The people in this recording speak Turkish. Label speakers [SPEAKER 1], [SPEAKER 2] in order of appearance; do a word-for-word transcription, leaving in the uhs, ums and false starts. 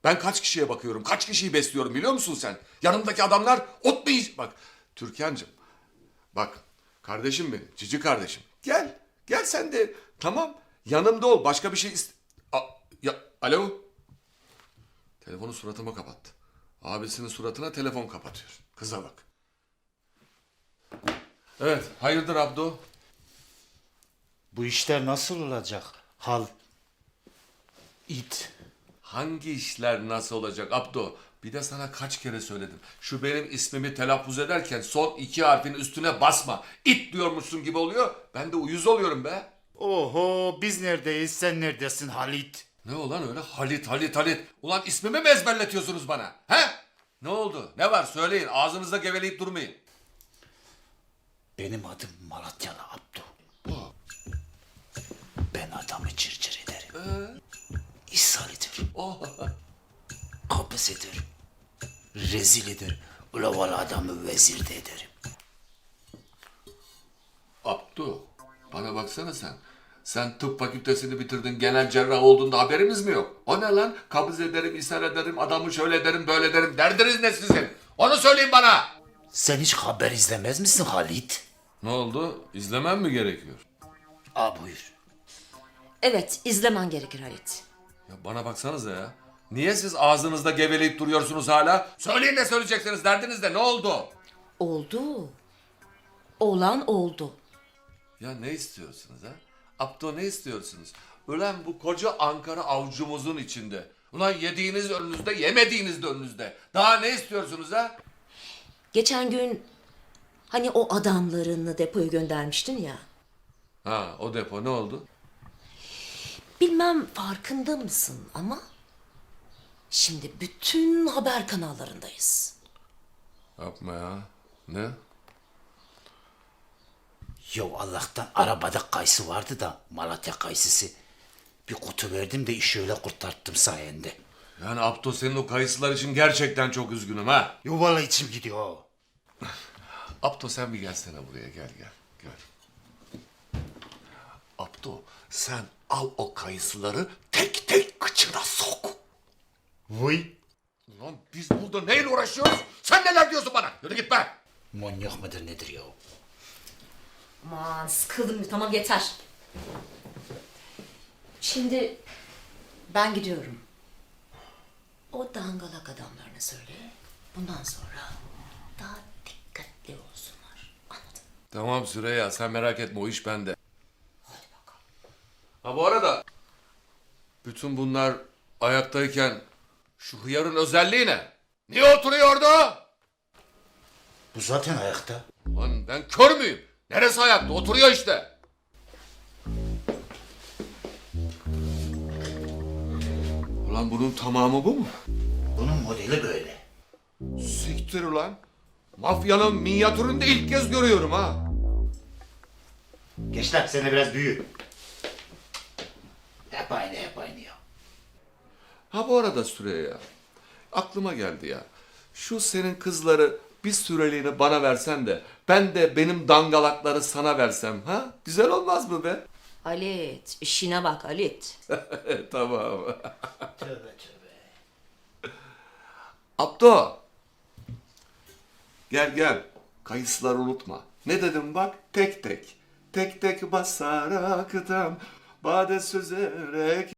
[SPEAKER 1] Ben kaç kişiye bakıyorum, kaç kişiyi besliyorum biliyor musun sen? Yanımdaki adamlar ot mu yiyecek? Bak Türkan'cığım, bak kardeşim benim, cici kardeşim. Gel, gel sen de. Tamam, yanımda ol. Başka bir şey iste... A- ya, alo? Telefonu suratıma kapattı. Abisinin suratına telefon kapatıyor. Kıza bak. Evet, hayırdır Abdo?
[SPEAKER 2] Bu işler nasıl olacak? Hal, it.
[SPEAKER 1] Hangi işler nasıl olacak Abdo? Bir de sana kaç kere söyledim. Şu benim ismimi telaffuz ederken son iki harfin üstüne basma. İt diyormuşsun gibi oluyor. Ben de uyuz oluyorum be.
[SPEAKER 2] Oho, biz neredeyiz, sen neredesin Halit?
[SPEAKER 1] Ne ulan öyle Halit Halit Halit. Ulan ismimi mi ezberletiyorsunuz bana? He? Ne oldu? Ne var söyleyin. Ağzınızda geveleyip durmayın.
[SPEAKER 2] Benim adım Malatyalı Abdu. Ben adamı çırçır ederim. Ee? İshal ederim.
[SPEAKER 1] Oh.
[SPEAKER 2] Kapıs ederim. Rezil ederim. Ula valla adamı vezir de ederim.
[SPEAKER 1] Abdu, bana baksana sen. Sen tıp fakültesini bitirdin, genel cerrah olduğunda haberimiz mi yok? O ne lan? Kabız ederim, ishal ederim, adamı şöyle ederim, böyle ederim. Derdiniz ne sizin? Onu söyleyin bana.
[SPEAKER 2] Sen hiç haber izlemez misin Halit?
[SPEAKER 1] Ne oldu? İzlemem mi gerekiyor?
[SPEAKER 2] Aa buyur.
[SPEAKER 3] Evet, izlemen gerekir Halit.
[SPEAKER 1] Ya bana baksanıza ya. Niye siz ağzınızda geveleyip duruyorsunuz hala? Söyleyin ne söyleyeceksiniz, derdiniz de ne oldu?
[SPEAKER 3] Oldu. Olan oldu.
[SPEAKER 1] Ya ne istiyorsunuz ha? Abdo ne istiyorsunuz? Ulan bu koca Ankara avucumuzun içinde. Ulan yediğiniz önünüzde, yemediğiniz de önünüzde. Daha ne istiyorsunuz ha?
[SPEAKER 3] Geçen gün hani o adamlarını depoya göndermiştin ya.
[SPEAKER 1] Ha o depo ne oldu?
[SPEAKER 3] Bilmem farkında mısın ama şimdi bütün haber kanallarındayız.
[SPEAKER 1] Yapma ya. Ne?
[SPEAKER 2] Yo Allah'tan arabada kayısı vardı da Malatya kayısısı. Bir kutu verdim de işi öyle kurtarttım sayende.
[SPEAKER 1] Yani Abdo senin o kayısılar için gerçekten çok üzgünüm ha.
[SPEAKER 2] Yo valla içim gidiyor.
[SPEAKER 1] Abdo sen bir gelsene buraya gel gel gel. Abdo sen al o kayısıları tek tek kıçına sok.
[SPEAKER 2] Vay.
[SPEAKER 1] Ulan biz burada neyle uğraşıyoruz? Sen neler diyorsun bana? Yürü git be.
[SPEAKER 2] Manyak mıdır nedir ya?
[SPEAKER 3] Aman sıkıldım tamam yeter. Şimdi ben gidiyorum. O dangalak adamlarına söyle. Bundan sonra daha dikkatli olsunlar. Anladın?
[SPEAKER 1] Tamam Süreyya sen merak etme o iş bende. Ha bu arada bütün bunlar ayaktayken şu hıyarın özelliği ne? Niye oturuyordu?
[SPEAKER 2] Bu zaten ayakta.
[SPEAKER 1] Lan ben kör müyüm? Neresi ayakta? Oturuyor işte. Ulan bunun tamamı bu mu?
[SPEAKER 2] Bunun modeli böyle.
[SPEAKER 1] Siktir ulan. Mafyanın minyatürünü de ilk kez görüyorum ha.
[SPEAKER 2] Gençler sen de biraz büyü. Hep aynı hep aynı ya.
[SPEAKER 1] Ha bu arada Süreyya. Aklıma geldi ya. Şu senin kızları bir süreliğine bana versen de ben de benim dangalakları sana versem ha? Güzel olmaz mı be?
[SPEAKER 3] Halit işine bak Halit.
[SPEAKER 1] Tamam.
[SPEAKER 2] Tövbe tövbe.
[SPEAKER 1] Abdo. Gel gel. Kayısıları unutma. Ne dedim bak? Tek tek. Tek tek basarak dam. Bade süzerek